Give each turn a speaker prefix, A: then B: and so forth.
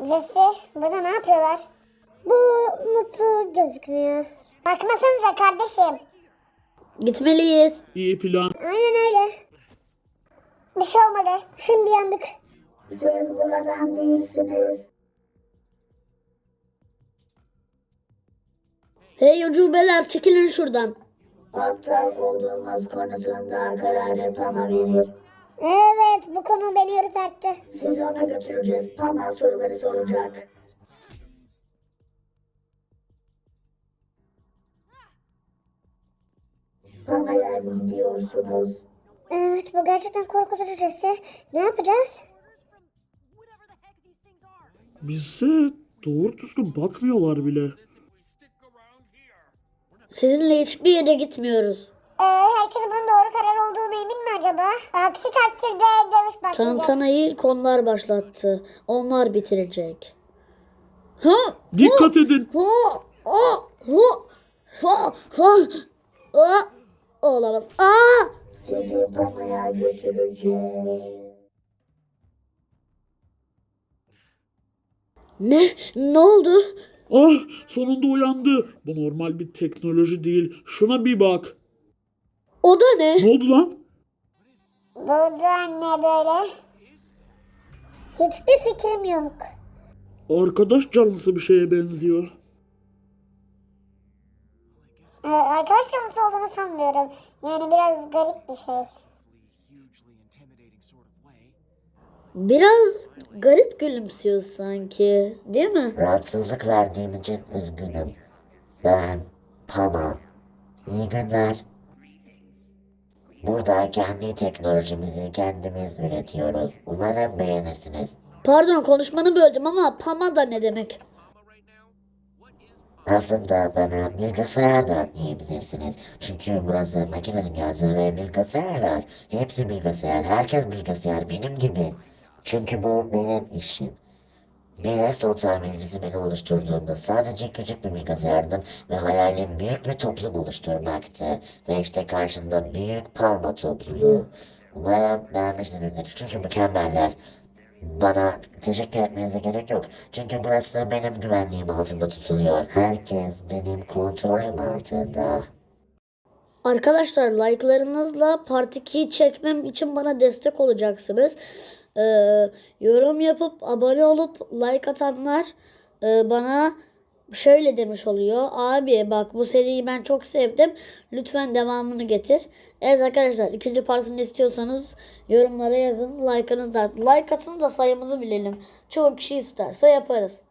A: Jesse, burada ne yapıyorlar? Bu mutlu gözükmüyor. Bakmasanıza kardeşim.
B: Gitmeliyiz.
C: İyi plan.
A: Aynen öyle. Bir şey olmadı. Şimdi yandık.
D: Siz buradan değilsiniz.
B: Hey ucubeler, çekilin şuradan.
D: Aptal olduğumuz konusunda kararı Pam'a verir.
A: Evet, bu konu beni ürpertti.
D: Sizi ona götüreceğiz. Pam'a soruları soracak. Pama'ya gidiyorsunuz.
A: Evet, bu gerçekten korkutucu Jesse. Ne yapacağız?
C: Bize doğru düzgün bakmıyorlar bile.
B: Sizinle hiçbir yere gitmiyoruz.
A: Herkes bunun doğru karar olduğuna emin mi acaba? Aksi takdirde dövüş başlayacak.
B: Tantanayı ilk onlar başlattı. Onlar bitirecek. Ha!
C: Dikkat edin.
B: Ha! Ha! Ha! Ha! Ha! Olamaz. Aa!
D: Sizi Pama'ya götüreceğiz.
B: Ne oldu?
C: Ah, sonunda uyandı. Bu normal bir teknoloji değil. Şuna bir bak.
B: O da ne?
C: Ne oldu lan?
A: Bu da ne böyle? Hiçbir fikrim yok.
C: Arkadaş canlısı bir şeye benziyor.
A: Arkadaş canlısı olduğunu sanmıyorum. Yani biraz garip bir şey.
B: Biraz garip gülümsüyor sanki, değil mi?
D: Rahatsızlık verdiğim için üzgünüm. Ben Pama. İyi günler. Burada kendi teknolojimizi kendimiz üretiyoruz. Umarım beğenirsiniz.
B: Pardon, konuşmanı böldüm ama Pama da ne demek?
D: Aslında bana bilgisayar da diyebilirsiniz. Çünkü burası makine dünyası ve bilgisayarlar. Hepsi bilgisayar. Herkes bilgisayar benim gibi. Çünkü bu benim işim. Bir restoran tamircisi beni oluşturduğumda sadece küçük bir bilgisayardım ve hayalim büyük bir toplum oluşturmaktı. Ve işte karşımda büyük Palma topluluğu. Umarım beğenmişsinizdir çünkü mükemmeller. Bana teşekkür etmenize gerek yok. Çünkü burası benim güvenliğim altında tutuluyor. Herkes benim kontrolüm altında.
B: Arkadaşlar, like'larınızla Part 2'yi çekmem için bana destek olacaksınız. Yorum yapıp abone olup like atanlar bana şöyle demiş oluyor. Abi bak, bu seriyi ben çok sevdim. Lütfen devamını getir. Evet arkadaşlar, ikinci partını istiyorsanız yorumlara yazın. Like atın da sayımızı bilelim. Çoğu kişi isterse yaparız.